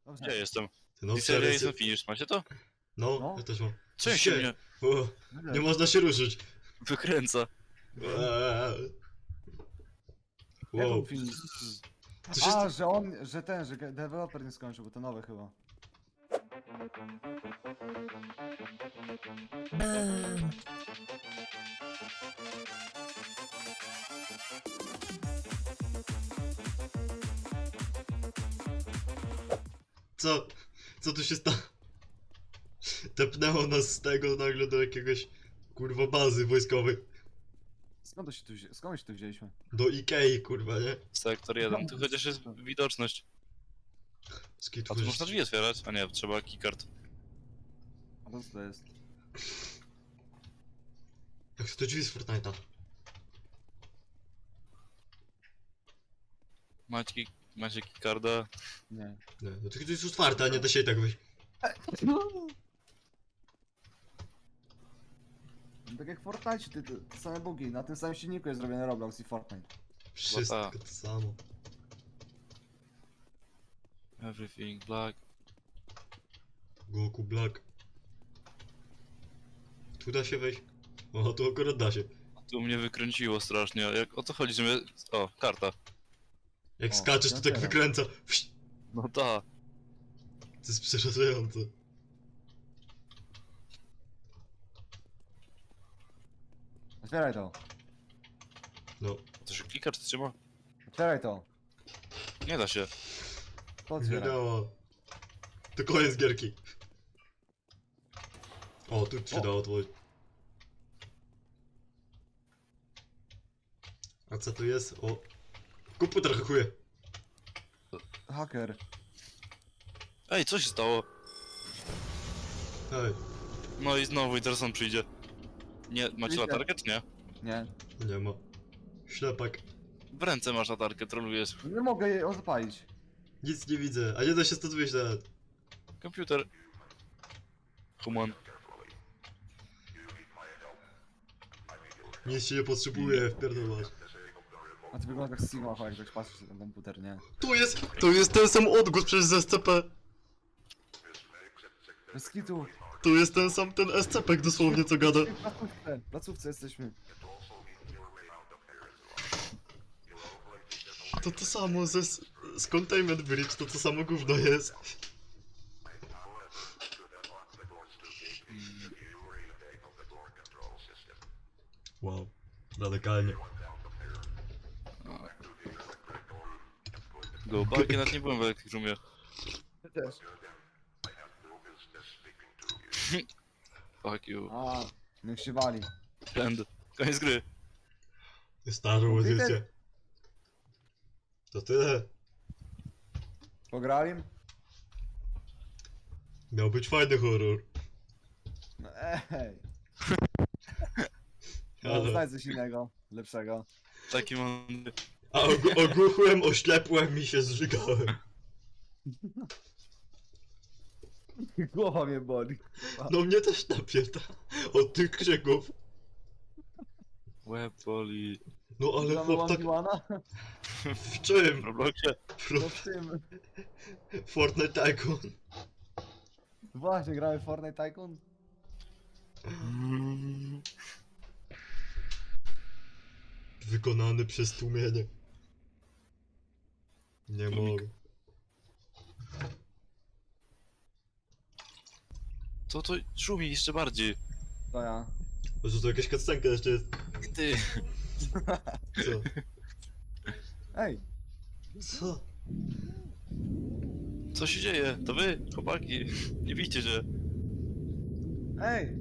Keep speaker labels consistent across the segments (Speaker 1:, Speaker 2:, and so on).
Speaker 1: Dobrze.
Speaker 2: Gdzie jestem?
Speaker 3: No,
Speaker 2: Seria jestem finish, macie to?
Speaker 3: No, ja też mam.
Speaker 2: Czym się mnie
Speaker 3: O, nie można się ruszyć.
Speaker 2: wykręca?
Speaker 3: Eee.
Speaker 1: Jak
Speaker 3: Wow.
Speaker 1: on film?
Speaker 3: Co się
Speaker 1: A, że on, że ten, że deweloper nie skończył, bo to nowe chyba.
Speaker 3: Co? Co tu się stało? Tepnęło nas z tego nagle do jakiegoś kurwa bazy wojskowej.
Speaker 1: Skąd się tu wzięliśmy?
Speaker 3: Do Ikei kurwa, nie?
Speaker 2: Sektor 1, tu chociaż jest widoczność.
Speaker 3: Skitu
Speaker 2: A tu można drzwi otwierać? A nie, trzeba keycard.
Speaker 1: A to co to jest?
Speaker 3: Jak to drzwi z Fortnite'a?
Speaker 2: Macie keycarda?
Speaker 1: Nie.
Speaker 3: Nie, no to jest otwarte, a nie da się i tak wyjść.
Speaker 1: Tak jak w Fortnite, te same bugi, na tym samym silniku jest zrobiony Roblox i Fortnite.
Speaker 3: Wszystko to samo.
Speaker 2: Everything black.
Speaker 3: Goku Black. Tu da się wejść? O, tu akurat da się.
Speaker 2: Tu mnie wykręciło strasznie. Jak o to chodzi, że mnie... O, karta.
Speaker 3: Jak
Speaker 1: O,
Speaker 3: skaczesz, to
Speaker 1: ja
Speaker 3: tak
Speaker 1: teraz.
Speaker 3: wykręca. Wsz,
Speaker 2: No ta.
Speaker 3: to jest przerażające.
Speaker 1: Otwieraj to.
Speaker 3: No,
Speaker 2: To się klika czy trzyma?
Speaker 1: Otwieraj to.
Speaker 2: Nie da się.
Speaker 1: To
Speaker 3: nie
Speaker 1: otwieraj.
Speaker 3: działa. To koniec gierki. O, tu się
Speaker 1: O.
Speaker 3: dało otworzyć. A co tu jest? O. Komputer hakuje.
Speaker 1: Haker.
Speaker 2: Ej, co się stało?
Speaker 3: Ej,
Speaker 2: No i znowu i teraz on przyjdzie. Nie, macie
Speaker 1: Idę.
Speaker 2: latarkę czy nie?
Speaker 1: Nie.
Speaker 3: nie ma. Ślepak.
Speaker 2: W ręce masz latarkę, trolujesz.
Speaker 1: Nie mogę jej zapalić.
Speaker 3: Nic nie widzę, a nie da się stąd wyjść nawet.
Speaker 2: Komputer. Human.
Speaker 3: Nic się nie potrzebuje, wpierdolasz.
Speaker 1: A ty wygląda jak Sigma, jak ktoś patrzy na ten komputer, nie?
Speaker 3: Tu jest ten sam odgłos przez SCP.
Speaker 1: Bez kitu.
Speaker 3: Tu jest ten sam ten SCP dosłownie co gada.
Speaker 1: W placówce jesteśmy.
Speaker 3: To samo z Containment Bridge, to samo gówno jest. Wow, radykalnie.
Speaker 2: Go back, ja nawet nie byłem w Electric Roomie.
Speaker 1: Ty też.
Speaker 2: Fuck you.
Speaker 1: A, niech się wali.
Speaker 2: End. Koniec gry.
Speaker 3: Starą
Speaker 1: Computer?
Speaker 3: edycję. To tyle.
Speaker 1: Pograli?
Speaker 3: Miał być fajny horror.
Speaker 1: No ej. No,
Speaker 3: Ale...
Speaker 1: znajdź coś innego, lepszego.
Speaker 2: Taki mądry.
Speaker 3: A ogłuchłem, oślepłem i się zżygałem.
Speaker 1: Głowa mnie boli.
Speaker 3: No mnie też napięta od tych krzyków.
Speaker 2: Łeb boli.
Speaker 3: No ale
Speaker 1: Mamy
Speaker 3: chłop tak...
Speaker 1: One-One-a?
Speaker 3: W czym?
Speaker 2: W Robloxie.
Speaker 1: No w tym.
Speaker 3: Fortnite Tycoon.
Speaker 1: Właśnie, gramy w Fortnite Tycoon?
Speaker 3: Wykonany przez tłumienie. Nie
Speaker 2: Tłumik.
Speaker 3: mogę.
Speaker 2: Co to szumi jeszcze bardziej?
Speaker 1: To ja.
Speaker 3: Może to jakaś cutscenka jeszcze jest.
Speaker 2: Ty.
Speaker 3: Co?
Speaker 1: Ej,
Speaker 3: Co?
Speaker 2: Co się dzieje? To wy, chłopaki. Nie widzicie, że...
Speaker 1: ej,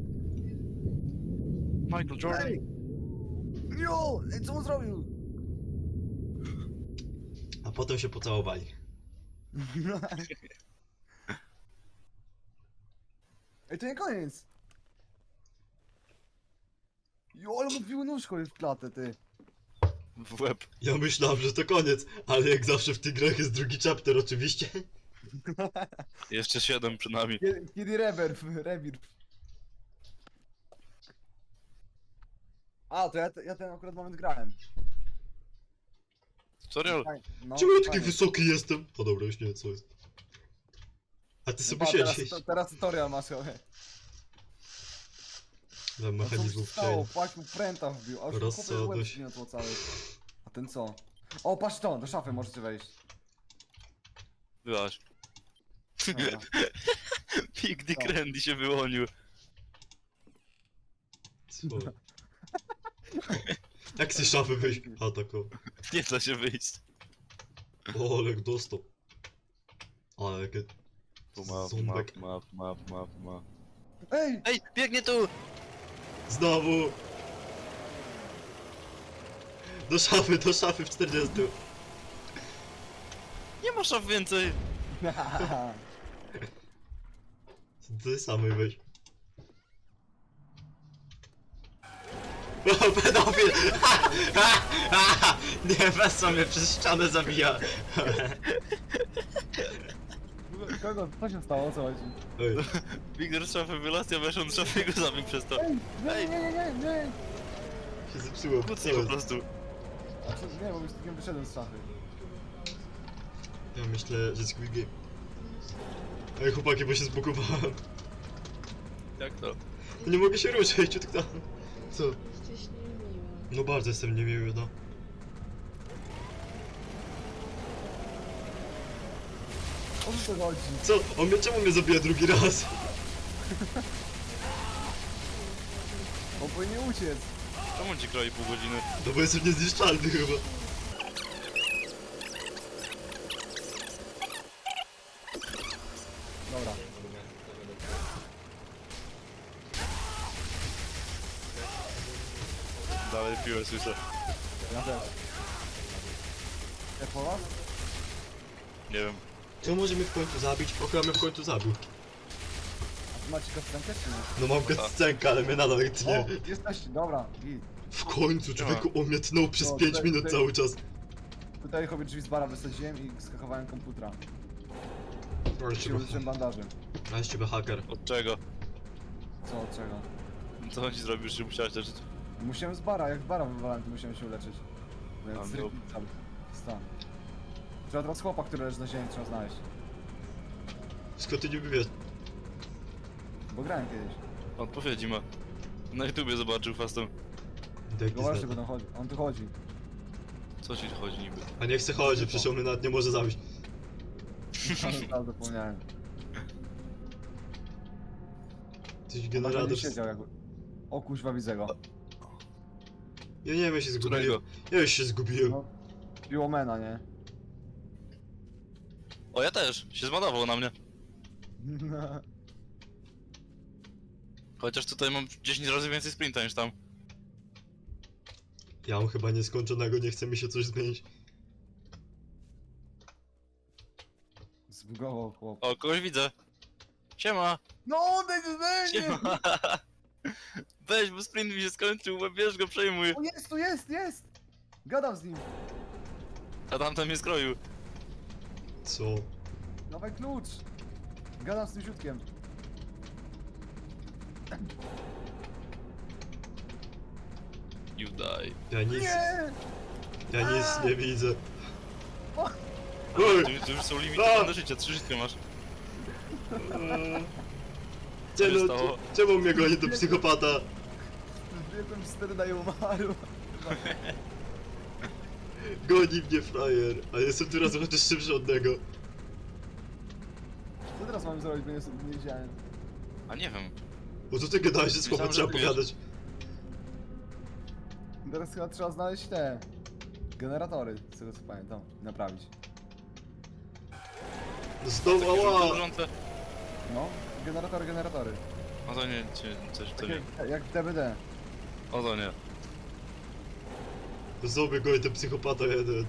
Speaker 2: Michael Jordan.
Speaker 1: ej! Jo, ej, co on zrobił?
Speaker 3: A potem się pocałowali.
Speaker 1: Ej, to nie koniec! Jo, ale mu wbił nóżką w klatę, ty.
Speaker 2: W łeb.
Speaker 3: Ja myślałem, że to koniec, ale jak zawsze w tych grach jest drugi chapter oczywiście.
Speaker 2: Jeszcze 7 przed nami.
Speaker 1: Kiedy rebirth. A, to ja ten akurat moment grałem.
Speaker 2: Tutorial.
Speaker 1: No,
Speaker 3: Czemu ja taki
Speaker 1: fajnie.
Speaker 3: wysoki jestem? O dobra, już nie wiem co jest. A ty sobie
Speaker 1: Pa,
Speaker 3: siedzisz.
Speaker 1: teraz tutorial masz, ale...
Speaker 3: Dla
Speaker 1: No co mu się
Speaker 3: mechanizmów
Speaker 1: stało?
Speaker 3: przejęcia.
Speaker 1: Patrz mu pręta wbił, a już chłopie łeb
Speaker 3: Rozsądność.
Speaker 1: zgniotło cały. A ten co? O, patrz to, do szafy możecie wejść.
Speaker 2: Byłaś.
Speaker 1: Dobra.
Speaker 2: Big Dick
Speaker 1: Co?
Speaker 2: Randy się wyłonił.
Speaker 3: Co? Jak z szafy wyjść? A tak o.
Speaker 2: Nie da się wyjść.
Speaker 3: O, Olek dostał. Ale jakie...
Speaker 2: Tu map,
Speaker 3: Ząbek.
Speaker 2: map.
Speaker 1: Ej!
Speaker 2: Ej, biegnie tu!
Speaker 3: Znowu! Do szafy w 40.
Speaker 2: Nie ma szaf więcej!
Speaker 3: Ty samej weź. O, pedofil! Nie, Wessa mnie przez ścianę zabija.
Speaker 1: Kogo? Co się stało? O co chodzi?
Speaker 3: Ej,
Speaker 2: Bigger z szafy wylazł, ja weszłem do szafy i go zabił przez to.
Speaker 1: Ej! Nie,
Speaker 2: Ej.
Speaker 1: nie!
Speaker 3: się zepsuło.
Speaker 2: Kucnij po prostu.
Speaker 1: A co, nie, bo już takim wyszedłem z szafy.
Speaker 3: Ja myślę, że Squid Game. Ej, chłopaki, bo się zbugowałem.
Speaker 2: Jak to?
Speaker 3: Nie mogę się ruszyć, ciut tam. Co?
Speaker 4: Jesteś niemiły.
Speaker 3: No bardzo jestem niemiły, no.
Speaker 1: O co to chodzi?
Speaker 3: Co? Czemu mnie zabija drugi raz?
Speaker 1: On powinien uciec.
Speaker 2: Czemu ci kroi pół godziny?
Speaker 3: No bo jestem niezniszczalny chyba.
Speaker 1: Dobra.
Speaker 2: Dalej piłę słyszę.
Speaker 1: Ja też. Jak po was?
Speaker 2: Nie wiem.
Speaker 3: Co może mnie w końcu zabić? Okra mnie w końcu zabił.
Speaker 1: A ty macie kostkę czy nie?
Speaker 3: No mam cutscenkę, ale mnie nadal
Speaker 1: O,
Speaker 3: tnie.
Speaker 1: jesteście, dobra, git.
Speaker 3: W końcu, człowieku, on mnie tnął przez
Speaker 1: No,
Speaker 3: 5
Speaker 1: tutaj-
Speaker 3: minut
Speaker 1: tutaj-
Speaker 3: cały czas.
Speaker 1: Tutaj sobie drzwi z bara wysadziłem i skakowałem komputera.
Speaker 3: Ale
Speaker 1: Się użyłem bandaży.
Speaker 3: Ale z ciebie haker.
Speaker 2: Od czego?
Speaker 1: Co, od czego?
Speaker 2: Co on ci zrobił, że musiałeś leczyć?
Speaker 1: Musiałem z bara, jak z bara wywalałem, to musiałem się uleczyć.
Speaker 2: A,
Speaker 1: Więc
Speaker 2: no.
Speaker 1: cały stan. Trzeba teraz chłopa, który leży na ziemi, trzeba znaleźć.
Speaker 3: Skąd ty niby wiesz?
Speaker 1: Bo grałem kiedyś.
Speaker 2: Odpowiedzi ma. Na YouTubie zobaczył fastem.
Speaker 3: Deki
Speaker 1: Go właśnie
Speaker 3: zna.
Speaker 1: będą chodzi. On tu chodzi.
Speaker 2: Co ci chodzi niby?
Speaker 3: A nie chce chodzić, przecież on mnie nawet nie może zabić.
Speaker 1: Ale teraz zapomniałem.
Speaker 3: Coś
Speaker 1: On
Speaker 3: generator...
Speaker 1: nie siedział jakby. O kuźwa, widzę go.
Speaker 3: Ja nie wiem, ja się zgubiłem.
Speaker 2: Którego?
Speaker 3: Ja już się zgubiłem.
Speaker 1: No. Piłomena, nie?
Speaker 2: O, ja też! Się zmanował na mnie. Chociaż tutaj mam 10 razy więcej sprinta niż tam.
Speaker 3: Ja mam chyba nieskończonego, nie chce mi się coś zmienić.
Speaker 1: Zbugował chłop.
Speaker 2: O, kogoś widzę. Siema!
Speaker 1: No odejdź ode mnie!
Speaker 2: Siema! Weź, bo sprint mi się skończył, bierz go, przejmuj.
Speaker 1: O jest, tu jest! Gadam z nim.
Speaker 2: A tamten mnie skroił.
Speaker 3: Co?
Speaker 1: Dawaj klucz. Gadam z tym siutkiem.
Speaker 2: You die.
Speaker 3: Ja nic,
Speaker 1: Nie!
Speaker 3: ja nic nie widzę.
Speaker 1: O!
Speaker 3: Oj!
Speaker 2: Tu już są limitowane życia, 3 życia masz. Co się
Speaker 3: Czemu,
Speaker 2: stało?
Speaker 3: czemu mnie goni do psychopata?
Speaker 1: Biegłem 4 na umarł.
Speaker 3: Goni mnie frajer, a jestem tu razem chociaż szybszy od niego.
Speaker 1: Co teraz mam zrobić, bo nie wiedziałem.
Speaker 2: A nie wiem.
Speaker 3: Bo co ty gadałeś, że słowo
Speaker 2: Myślałem,
Speaker 3: trzeba
Speaker 2: że wiesz.
Speaker 3: pogadać?
Speaker 1: Teraz chyba trzeba znaleźć te... generatory, z tego co pamiętam, naprawić.
Speaker 3: Znowu,
Speaker 2: Takie
Speaker 3: ała!
Speaker 2: żółte wrzące.
Speaker 1: No, generatory.
Speaker 2: O to nie, coś to nie.
Speaker 1: Jak w DBD.
Speaker 2: O to nie.
Speaker 3: Znowu goni ten psychopata jeden.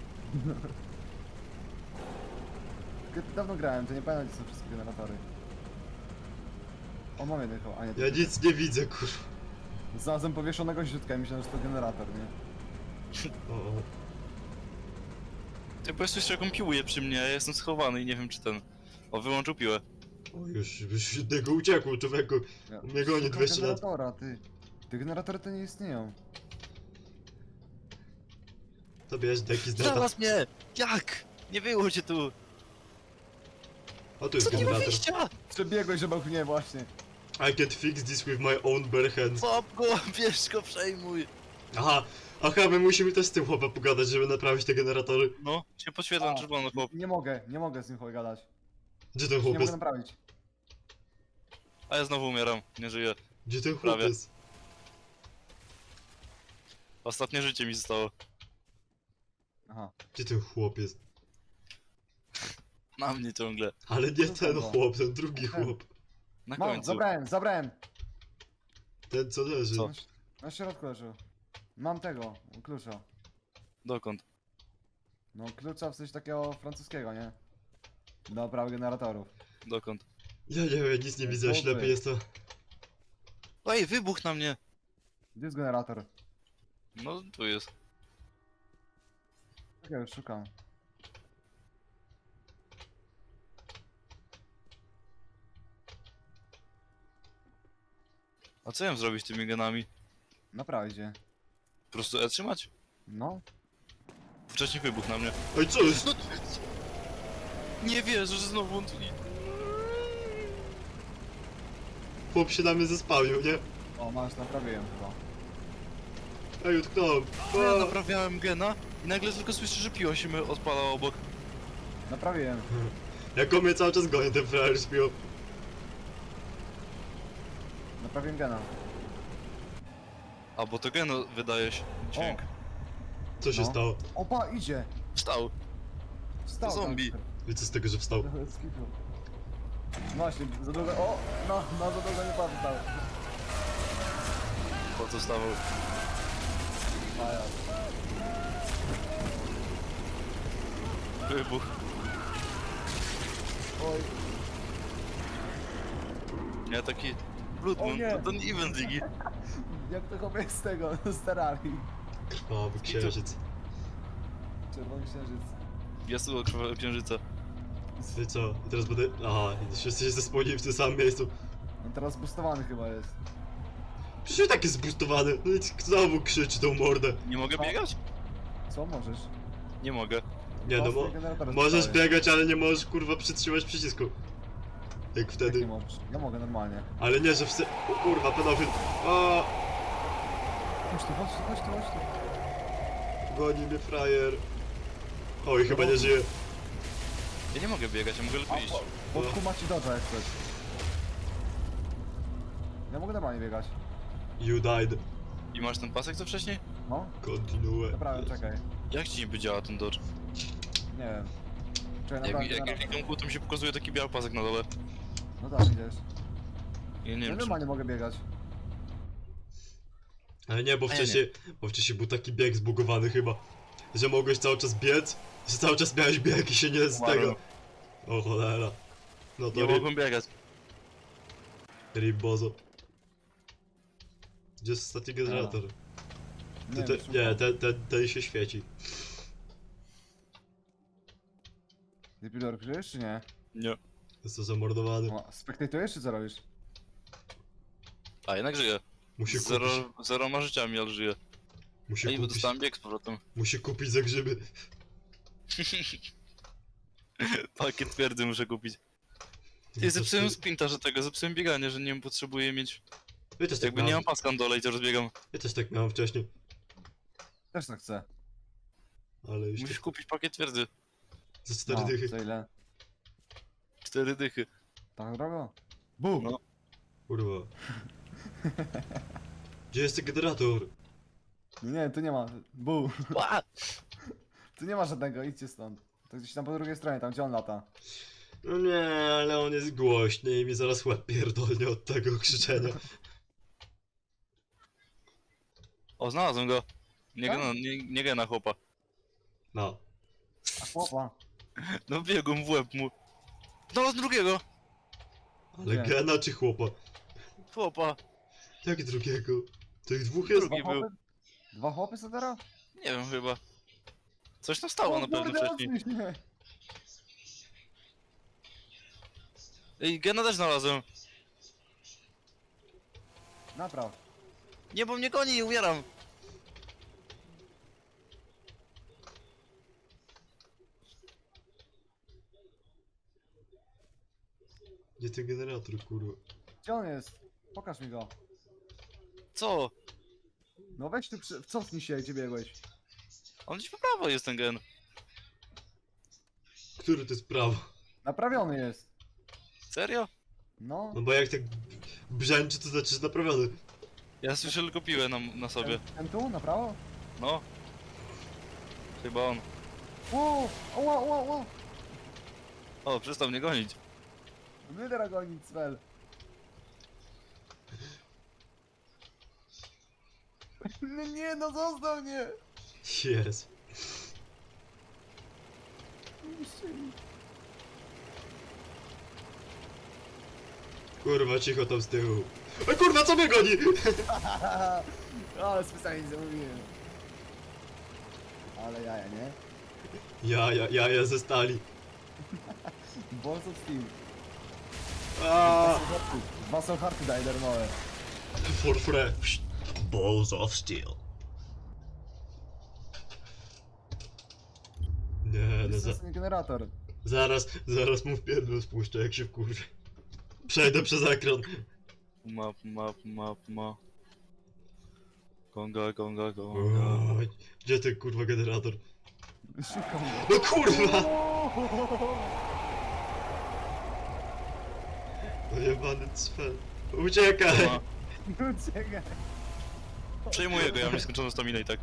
Speaker 1: Dawno grałem, to nie pamiętam gdzie są wszystkie generatory. O, mam jeden chyba, a nie. to
Speaker 3: Ja
Speaker 1: ty.
Speaker 3: nic nie widzę, kurwa.
Speaker 1: Znalazłem powieszonego źródła i myślałem, że to generator, nie?
Speaker 3: O, o.
Speaker 2: Ty po prostu jeszcze jaką piłuje przy mnie, a ja jestem schowany i nie wiem czy ten... O, wyłączył piłę.
Speaker 3: O, już jednego uciekł, człowieku.
Speaker 1: Ja-
Speaker 3: U mnie goni
Speaker 1: Szukam
Speaker 3: 200 lat.
Speaker 1: generatora, ty. Te generatory to nie istnieją.
Speaker 3: To bierz deki z neta.
Speaker 2: Znalazł mnie! Jak? Nie było cię tu!
Speaker 3: O, tu jest
Speaker 2: Co nie ma
Speaker 3: generator.
Speaker 2: wyjścia?
Speaker 1: Przebiegłeś obok mnie właśnie.
Speaker 3: I can fix this with my own bare hands.
Speaker 2: Złap go, bierz go, przejmuj.
Speaker 3: Aha, my musimy też z tym chłopem pogadać, żeby naprawić te generatory.
Speaker 2: No, się podświetlam czerwono, chłop.
Speaker 1: Nie mogę z nim gadać.
Speaker 3: Gdzie ten
Speaker 1: Nie
Speaker 3: chłop
Speaker 1: mogę
Speaker 3: jest?
Speaker 1: naprawić.
Speaker 2: A ja znowu umieram, nie żyję.
Speaker 3: Gdzie ten chłop
Speaker 2: Prawie.
Speaker 3: jest?
Speaker 2: Ostatnie życie mi zostało.
Speaker 1: Aha.
Speaker 3: Gdzie ten chłop jest?
Speaker 2: Na mnie ciągle.
Speaker 3: Ale nie
Speaker 1: No
Speaker 3: ten
Speaker 1: dobra.
Speaker 3: chłop, ten drugi chłop.
Speaker 2: Na
Speaker 1: Mam,
Speaker 2: końcu.
Speaker 1: zabrałem.
Speaker 3: Ten co leży.
Speaker 2: Co?
Speaker 1: Na środku leży. Mam tego, klucza.
Speaker 2: Dokąd?
Speaker 1: No klucza w sensie takiego francuskiego, nie? Do naprawy generatorów.
Speaker 2: Dokąd?
Speaker 3: Ja nie wiem, nic nie widzę,
Speaker 1: Chłopy.
Speaker 3: ślepy jestem.
Speaker 2: Ej, wybuch na mnie!
Speaker 1: Gdzie jest generator?
Speaker 2: No, tu jest.
Speaker 1: Czekaj, już szukam.
Speaker 2: A co ja mam zrobić z tymi genami?
Speaker 1: Naprawić je.
Speaker 2: Po prostu E trzymać?
Speaker 1: No.
Speaker 2: Wcześniej wybuch na mnie.
Speaker 3: Oj, co jest?
Speaker 2: No, nie wierzę, że znowu on tu...
Speaker 3: Chłop się na mnie zespałnił, nie?
Speaker 1: O, masz, naprawiłem chyba.
Speaker 3: Ej, utknąłem.
Speaker 2: Ja
Speaker 3: A.
Speaker 2: naprawiałem gena i nagle tylko słyszę, że piło się my odpala obok.
Speaker 1: Naprawiłem.
Speaker 3: Jak on mnie cały czas goni, ten frajer śpił.
Speaker 1: Naprawiłem gena.
Speaker 2: A, bo to gen wydaje się dźwięk.
Speaker 3: Co się
Speaker 1: No.
Speaker 3: stało?
Speaker 1: Opa, idzie!
Speaker 2: Wstał.
Speaker 1: Wstał.
Speaker 2: To zombie.
Speaker 1: tam.
Speaker 3: I co z tego, że wstał?
Speaker 1: Skitu. Właśnie, za długo. O! No, za długo nie pamiętał.
Speaker 2: Po co wstawał?
Speaker 1: Maja.
Speaker 2: Wybuch.
Speaker 1: Oj,
Speaker 2: Ja taki... Blood
Speaker 1: O
Speaker 2: Moon,
Speaker 1: nie.
Speaker 2: to ten event Ziggy.
Speaker 1: jak to chłopie z tego, z Terrarii.
Speaker 3: Krwawy księżyc.
Speaker 1: Czerwony księżyc.
Speaker 2: Jest tu krwawego księżyca.
Speaker 3: I co? I teraz będę... Aha, i wszyscy się zespełnili w tym samym miejscu.
Speaker 1: On teraz boostowany chyba jest.
Speaker 3: Przecież tak jest zboostowany. No i znowu krzyczy tą mordę.
Speaker 2: Nie mogę biegać?
Speaker 1: Co możesz?
Speaker 2: Nie mogę.
Speaker 3: Nie no,
Speaker 1: Własne generatory
Speaker 3: możesz
Speaker 1: zostały.
Speaker 3: biegać, ale nie możesz kurwa przytrzymać przycisku. Jak
Speaker 1: Jak nie
Speaker 3: wtedy.
Speaker 1: możesz? Ja mogę normalnie.
Speaker 3: Ale nie, że wszyscy... O kurwa, pedofil. O,
Speaker 1: Chodź tu, chodź tu, chodź tu, chodź tu.
Speaker 3: goni mnie frajer. Oj, chyba nie żyje.
Speaker 2: Ja nie mogę biegać, ja mogę tylko iść.
Speaker 1: Pod macie dodża jak chcesz. Ja mogę normalnie biegać.
Speaker 3: You died.
Speaker 2: I masz ten pasek co wcześniej?
Speaker 1: No,
Speaker 3: Continue.
Speaker 1: naprawiam, czekaj.
Speaker 2: Jak ci niby działa ten dodge?
Speaker 1: Nie wiem. Czekaj,
Speaker 2: Jak
Speaker 1: naprawiam
Speaker 2: ja
Speaker 1: generator.
Speaker 2: klikam kół, to mi się pokazuje taki biały pasek na dole.
Speaker 1: No tak, idziesz.
Speaker 2: Ja nie
Speaker 1: Ja
Speaker 2: wiem czy...
Speaker 1: normalnie mogę biegać.
Speaker 3: Ale nie, bo
Speaker 2: A ja nie.
Speaker 3: wcześniej był taki bieg zbugowany chyba. Że mogłeś cały czas biec, że cały czas miałeś bieg i się nie z
Speaker 2: Umarłem.
Speaker 3: tego. O cholera. No to
Speaker 2: Nie
Speaker 3: rip,
Speaker 2: mogłem biegać.
Speaker 3: rip bozo. Gdzie jest ostatni generator?
Speaker 1: Nie,
Speaker 3: Te,
Speaker 1: szukam.
Speaker 3: nie, ten się świeci.
Speaker 1: Ty pilor żyjesz czy nie?
Speaker 2: Nie.
Speaker 3: Jest to zamordowany.
Speaker 1: O, spektatujesz czy co robisz?
Speaker 2: A jednak żyję.
Speaker 3: Musi kupić,
Speaker 2: Zero ma życiami, ale żyję.
Speaker 3: musi
Speaker 2: Ej, bo
Speaker 3: kupić,
Speaker 2: dostałem bieg z powrotem.
Speaker 3: musi kupić za grzyby.
Speaker 2: Pakiet twierdzy muszę kupić.
Speaker 3: No
Speaker 2: Ty, zepsułem sprinta, że tego, zepsułem bieganie, że nie wiem, potrzebuję mieć...
Speaker 3: Ja też tak
Speaker 2: Jakby nie
Speaker 3: miałem,
Speaker 2: mam paska na dole i to rozbiegam.
Speaker 3: ja też tak miałem wcześniej.
Speaker 1: Też tak chcę.
Speaker 3: Ale już
Speaker 2: Musisz
Speaker 3: tak,
Speaker 2: kupić pakiet twierdzy.
Speaker 3: za 4
Speaker 1: No,
Speaker 3: dychy.
Speaker 1: za ile?
Speaker 2: 4 dychy.
Speaker 1: Tak drogo? Bum!
Speaker 2: No.
Speaker 3: Kurwa. Gdzie jest ten generator?
Speaker 1: Nie, tu nie ma. Bum!
Speaker 2: Ła!
Speaker 1: Tu nie ma żadnego, idźcie stąd. To gdzieś tam po drugiej stronie, tam gdzie on lata.
Speaker 3: No nie, ale on jest głośny i mi zaraz łeb pierdolnie od tego krzyczenia.
Speaker 2: O, znalazłem go. Nie
Speaker 1: Tak?
Speaker 2: gena, nie gena chłopa.
Speaker 3: No.
Speaker 1: A chłopa.
Speaker 2: No biegłem w łeb mu. Znalazłem drugiego!
Speaker 3: Ale
Speaker 1: Nie.
Speaker 3: gena czy chłopa?
Speaker 2: Chłopa.
Speaker 3: Jak drugiego? Tych dwóch jest?
Speaker 2: Drugi był.
Speaker 1: Dwa chłopy są teraz?
Speaker 2: Nie wiem chyba. Coś tam stało na pewno wcześniej.
Speaker 1: Nie.
Speaker 2: Ej, gena też znalazłem.
Speaker 1: Napraw.
Speaker 2: Nie, bo mnie goni, umieram.
Speaker 3: Gdzie ten generator, kurwa?
Speaker 1: Gdzie on jest? Pokaż mi go.
Speaker 2: Co?
Speaker 1: No weź tu, cofnij się, gdzie biegłeś.
Speaker 2: On gdzieś po prawo jest ten gen.
Speaker 3: Który to jest prawo?
Speaker 1: Naprawiony jest.
Speaker 2: Serio?
Speaker 1: No.
Speaker 3: No bo jak tak brzęczy, to znaczy, że naprawiony.
Speaker 2: Ja słyszę tylko piłę na sobie.
Speaker 1: Ten tu, na prawo?
Speaker 2: No. Chyba on.
Speaker 1: Ło, ło, ło, ło.
Speaker 2: O, przestał mnie gonić.
Speaker 1: Wydra gonić, Svel. No nie, no zostaw mnie.
Speaker 3: Jest. Kurwa, cicho tam z tyłu. Oj kurwa, co mnie goni?
Speaker 1: Ale specjalnie zamówiłem. Ale jaja, nie?
Speaker 3: Ja ze stali.
Speaker 1: Balls of Steel.
Speaker 3: Aaaa!
Speaker 1: Dwa są harty daje darmowe.
Speaker 3: For free. Balls of steel. Nie, no
Speaker 1: Jest ten generator.
Speaker 3: zaraz mu w pierdol spuszczę, jak się wkurzy. Przejdę przez ekran.
Speaker 2: Map. Gonga.
Speaker 3: Oj, gdzie ten kurwa generator?
Speaker 1: Szukam go.
Speaker 3: No kurwa! No jebany cfel. Uciekaj!
Speaker 2: Ma.
Speaker 1: Uciekaj.
Speaker 2: Przejmuję go, ja mam nieskończoną staminę i tak.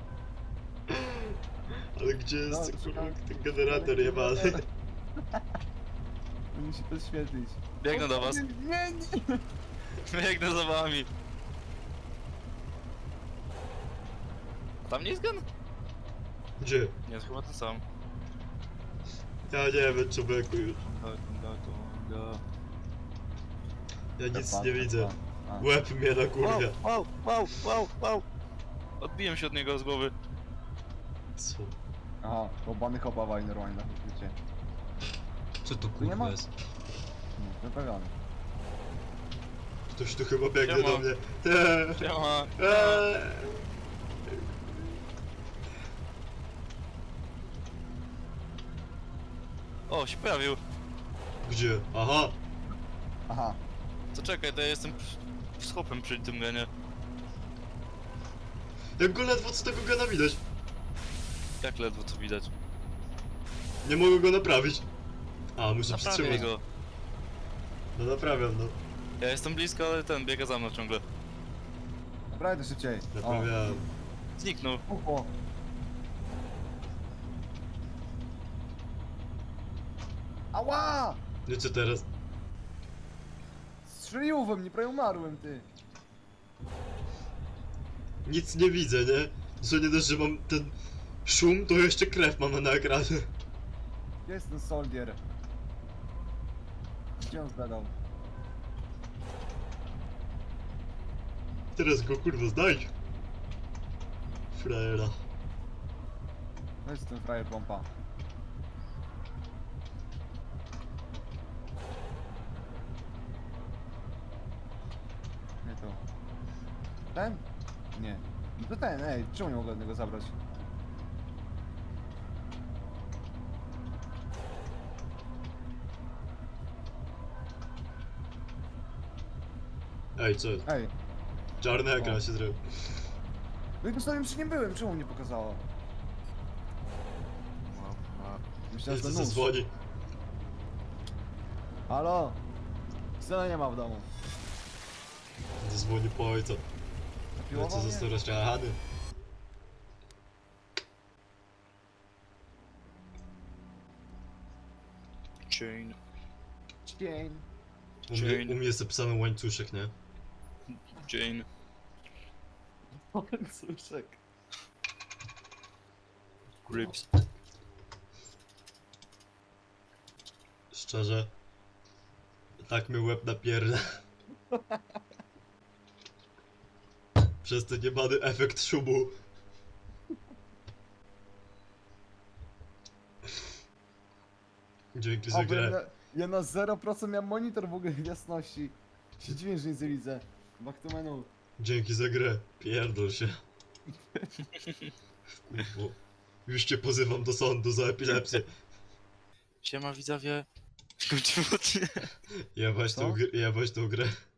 Speaker 3: Ale gdzie
Speaker 1: No,
Speaker 3: jest kurwa
Speaker 1: szukam.
Speaker 3: ten generator jebany?
Speaker 1: Musi to świetlić.
Speaker 2: Biegnę do was.
Speaker 1: Nie.
Speaker 2: Biegnę za wami. Tam nie jest gen?
Speaker 3: Gdzie?
Speaker 2: Nie, jest chyba ten sam.
Speaker 3: Ja nie wiem, człowieku już.
Speaker 2: Gonga.
Speaker 3: Ja nic
Speaker 1: Tepa,
Speaker 3: nie widzę.
Speaker 1: tepa. A.
Speaker 3: Łeb mnie na kurwia.
Speaker 2: Wow. Odbiłem się od niego z głowy.
Speaker 3: Co?
Speaker 1: Aha, łobany chopawaj normalnie na chwycie.
Speaker 3: Co to
Speaker 1: nie ma?
Speaker 3: kurwa jest?
Speaker 1: Wypełniony.
Speaker 3: Ktoś tu chyba biegnie
Speaker 2: Siema.
Speaker 3: do mnie. Eee,
Speaker 2: Siema.
Speaker 3: eee.
Speaker 2: O, się pojawił.
Speaker 3: Gdzie? Aha!
Speaker 1: Aha.
Speaker 2: To czekaj, to ja jestem z hopem przy tym genie.
Speaker 3: Jak go ledwo co tego gena widać.
Speaker 2: Jak ledwo co widać.
Speaker 3: Nie mogę go naprawić. A, muszę
Speaker 2: Naprawię
Speaker 3: przytrzymać.
Speaker 2: go.
Speaker 3: No naprawiam, no.
Speaker 2: Ja jestem blisko, ale ten biega za mną ciągle.
Speaker 1: Naprawdę szybciej.
Speaker 3: Naprawiałem.
Speaker 2: Zniknął.
Speaker 1: Ucho. Ała!
Speaker 3: No i co teraz?
Speaker 1: Strzeliło we mnie, prawie umarłem, ty.
Speaker 3: Nic nie widzę, nie? Co nie dość, że mam ten szum, to jeszcze krew mam na ekranie.
Speaker 1: Gdzie jest ten soldier? Gdzie on zbadał?
Speaker 3: Teraz go kurwa znajdź. Frajera.
Speaker 1: To jest ten frajer pompa. Nie to. Ten? Nie. No to ten, ej, czemu nie mogę od niego zabrać?
Speaker 3: Ej, co?
Speaker 1: Ej,
Speaker 3: Czarny ekran się zrobił.
Speaker 1: no i postawiłem przy nim byłem, czemu nie pokazało? Myślałem, że
Speaker 3: Jest
Speaker 1: to nóż.
Speaker 3: zadzwoni.
Speaker 1: Halo? Syna nie ma w domu.
Speaker 3: Zadzwoni po ojca.
Speaker 1: Zapiłował
Speaker 3: Ojca
Speaker 1: mnie?
Speaker 3: został rozczarowany.
Speaker 2: Chain.
Speaker 1: Cień.
Speaker 3: U mnie jest zapisany łańcuszek, nie?
Speaker 2: Jane.
Speaker 1: Łańcuszek.
Speaker 2: Grips.
Speaker 3: Szczerze. Tak mi łeb napierda. Przez ten niebany efekt szumu. Dzięki za
Speaker 1: O, bo
Speaker 3: grę.
Speaker 1: ja na 0% miałem monitor w ogóle jasności. Się dziwię, że nic nie widzę. Back to menu.
Speaker 3: Dzięki za grę. Pierdol się. Kurwo. Już cię pozywam do sądu za epilepsję.
Speaker 2: Siema widzowie. Skończył odcinek.
Speaker 3: Jebać
Speaker 1: Co?
Speaker 3: tą grę.